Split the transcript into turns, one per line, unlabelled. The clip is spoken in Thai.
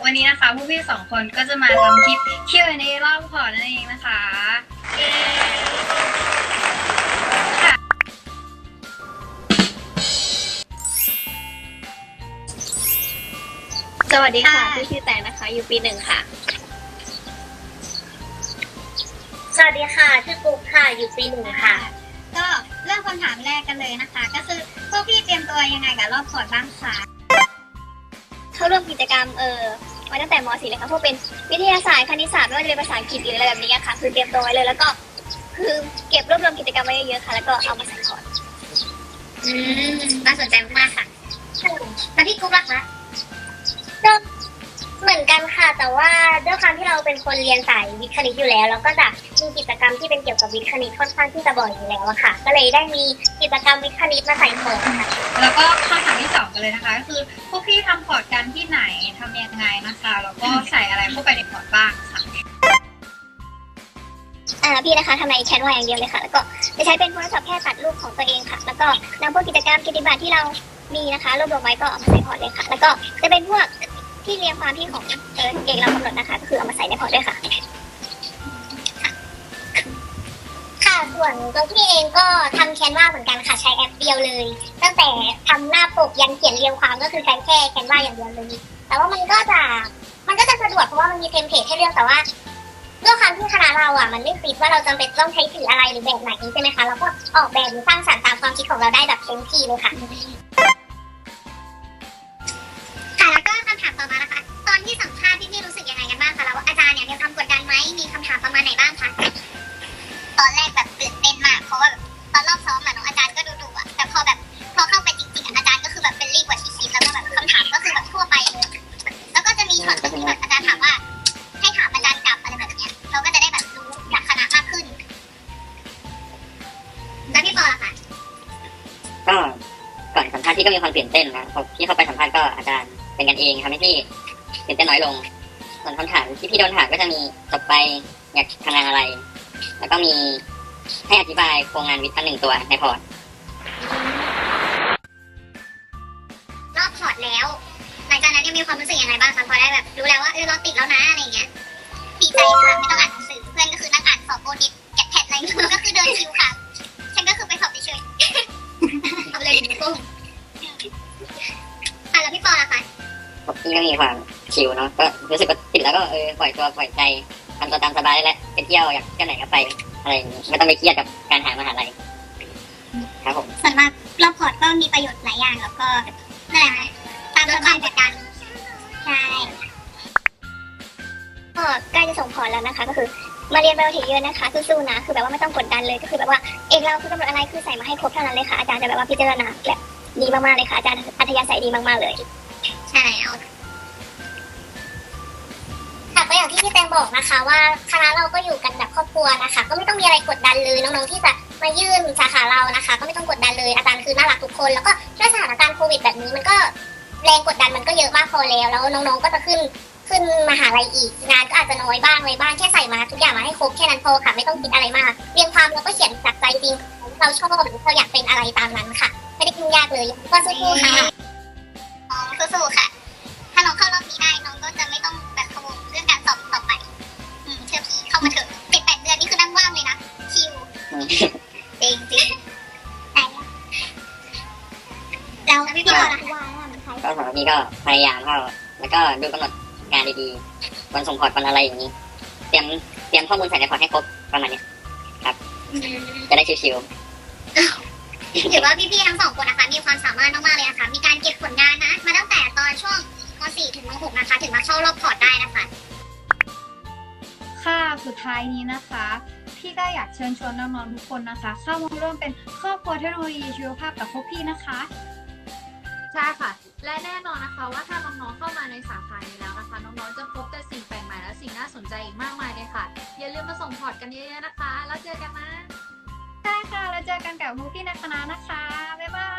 วันนี้นะคะพวกพี่สองคนก็จะมาทำคลิป Q&A รอบพอร์ตนั่นเองนะคะเย้สวัสดีค่ะพี่ชื่อแตงนะคะอยู่ปี 1ค่ะ
สวัสดีค่ะชื่อกุ๊กค่ะอยู่ปี 1ค่ะ
ก็เริ่มคำถามแรกกันเลยนะคะก็คือพวกพี่เตรียมตัวยังไงกับรอบพอร์ตบ้างคะเข้าร่วมกิจกรรมมาตั้งแต่ม .4 เลยค่ะพวกเป็นวิทยาศาสตร์คณิตศาสตร์ไม่ว่าจะเป็นภาษาอังกฤษหรืออะไรแบบนี้ค่ะคือเตรียมตัวไว้เลยแล้วก็คือเก็บรวบรวมกิจกรรมไว้เยอะๆค่ะแล้วก็เอามาใส่พอร์ต
น่าสนใจมากค่ะแล้วพี่กุ๊กล่ะคะก็เหมือนกันค่ะแต่ว่าด้วยความที่เราเป็นคนเรียนสายวิทย์คณิตอยู่แล้วเราก็จะมีกิจกรรมที่เป็นเกี่ยวกับวิทย์คณิตค่อนข้างที่จะบ่อยอยู่แล้วอะค่ะก็เลยได้มีกิจกรรมวิทย์คณิตมาใส่พอร์ตค่ะ
แล้วก็คำถามที่2กันเลยนะคะก็คือพวกพี่ทำพอร์ตกันที่ไหนทำยังไงนะคะแล้วก็ใส่อะไรเข้าไปในพอร์ตบ้างค่ะ
พี่นะคะทำในแคนวาอย่างเดียวเลยค่ะแล้วก็จะใช้เป็นโทรศัพท์แค่ตัดรูปของตัวเองค่ะแล้วก็นำพวกกิจกรรมกิจบัตรที่เรามีนะคะรวบรวมไว้ก็เอามาใส่พอร์ตเลยค่ะแล้วก็จะเป็นพวกที่เรียงความที่ของเก่งเรากำหนดนะคะก็คือเอามาใส่ในพอร์ตด้วยค่ะ
ส่วนตัวพี่เองก็ทำแคนวาเหมือนกันค่ะใช้แอปเดียวเลยตั้งแต่ทำหน้าปกยันเขียนเรียงความก็คือใช้แค่แคนวาอย่างเดียวเลยแต่ว่ามันก็จะสะดวกเพราะว่ามันมีเทมเพลตให้เลือกแต่ว่าด้วยความที่คณะเรามันไม่ฟิกว่าเราจำเป็นต้องใช้สีอะไรหรือแบบไหนใช่ไหมคะเราก็ออกแบบหรือสร้างสรรค์ตามความคิดของเราได้แบบเต็มที่เลยค่ะแล้วก็คำถามต่อมานะคะตอนที่สัมภาษณ์พี่รู้สึกยังไงกันบ้างคะแล้วอาจารย์เนี่ยมีความกดดันไหมมีคำถามประมาณไหนบ้างคะตอนแรกแบบตื่นเต้นมากเพราะว่าตอนรอบซ้อมน้องอาจารย์ก็ดุๆแต่พอเข้าไปจริงๆอาจารย์ก็คือแบบเฟรนลี่กว่าที่คิดแล้วก็แบบคำถามก็คือแบบทั่วไปเลยแล้วก็จะมีช็อตที่แบบอาจารย์ถามว่าให้ถามอาจารย์กลับอะไรแบบนี้เราก็จะได้แบบรู้จากคณะมากขึ้นแล้วพี่ปอล่ะคะ
ก็ก่อนสัมภาษณ์พี่ก็มีความตื่นเต้นนะพอพี่เข้าไปสัมภาษณ์ก็อาจารย์เป็นกันเองทำให้พี่ตื่นเต้นน้อยลงส่วนคำถามที่พี่โดนถามก็จะมีจบไปอยากทำงานอะไรแล้วก็มีให้อธิบายโครงงานวิทย์ทั้ง1 ตัวในพอร์ต
รอบพอร์ตแล้วหลังจากนั้นยังมีความรู้สึกยังไงบ้างคะพอได้แบบรู้แล้วว่าเราติดแล้วนะอะไรเงี้ยดีใจค่ะไม่ต้องอ่านหนังสือเพื่อนก็คือนั่งอ่านสอบโบนิดแกะแพทอะไรก็คือเดินคิวค่ะฉันก็คือไปสอบเฉยๆเอาเลยหนูกุ้งแล้วพี่ปอล่ะคะ
พี่ก็มีความชิลเนาะก็รู้สึกว่าติดแล้วก็ปล่อยตัวปล่อยใจทำตัวตามสบายแล้วไปเที่ยวอยากเที่ยวไหนก็ไปอะไรอย่างนี้ไม่ต้องไปเครียดกับการหามหาลัยครับผม
ส่วนมากรอบพอร์ตก็มีประโยชน์หลายอย่างแล้วก็นั่นแหละตามสบายจัดการใช่
ก็ใกล้จะส่งพอร์ตแล้วนะคะก็คือมาเรียนไบโอเทคเยอะนะคะสู้ๆนะคือแบบว่าไม่ต้องกดดันเลยก็คือแบบว่าเอกเราคือกำหนดอะไรคือใส่มาให้ครบเท่านั้นเลยค่ะอาจารย์จะแบบว่าพิจารณาแบบดีมากๆเลยค่ะอาจารย์อัธยาศัยดีมากๆเลย
ใช่เอาค่ะก็อย่างที่พี่แตงบอกนะคะว่าคณะเราก็อยู่กันแบบครอบครัวนะคะก็ไม่ต้องมีอะไรกดดันเลยน้องๆที่จะมายื่นสาขาเรานะคะก็ไม่ต้องกดดันเลยอาจารย์คือน่ารักทุกคนแล้วก็ด้วยสถานการณ์โควิดแบบนี้มันก็แรงกดดันมันก็เยอะมากพอแล้วน้องๆก็จะขึ้นมหาลัยอีกงานก็อาจจะน้อยบ้างอะไรบ้างแค่ใส่มาทุกอย่างมาให้ครบแค่นั้นพอค่ะไม่ต้องคิดอะไรมากเรียงความแล้วก็เขียนจากใจจริงเราชอบหรือเราอยากเป็นอะไรตามนั้นค่ะไม่ได้ยุ่งยากเลยก็สู้ๆค่ะสู้ๆค่ะถ้าน้องเข้ารอบนี้ได้น้องก็จะไม่ต้องแบบพะวงเรื่องการสอบต่อไปเชื่อพี่เข้ามาเถอะ7-8 เดือนนี่คือนั่งว่างเลยนะชิลจริงแล้วพี่ปอล่ะ
ก็สำหรับพี่ก็พยายามเข้าแล้วก็ดูกำหนดงานดีๆวันส่งพอร์ตวันอะไรอย่างนี้เตรียมข้อมูลใส่ในพอร์ตให้ครบประมาณนี้ครับจะได้ชิว
ๆถือว่าพี่ๆทั้ง2 คนนะคะมีความสามารถมากๆเลยนะคะมีการเก็บผลงานนะมาตั้งแต่ตอนช่วงม.4 ถึงม.6 นะคะถึงมาเข้ารอบพอร์ตได้นะคะ
ค่ะสุดท้ายนี้นะคะพี่ก็อยากเชิญชวนน้องๆทุกคนนะคะเข้ามาร่วมเป็นครอบครัวเทคโนโลยีชีวภาพกับพวกพี่นะคะ
ใช่ค่ะและแน่นอนนะคะว่าถ้าน้องๆเข้ามาในสาขานี้แล้วนะคะน้องๆจะพบแต่สิ่งแปลกใหม่และสิ่งน่าสนใจอีกมากมายเลยค่ะอย่าลืมมาส่งพอร์ตกันเยอะๆนะคะแล้วเจอกันนะ
ใช่ค่ะแล้วเจอกันกับพวกพี่ในคณะนะคะบ๊ายบาย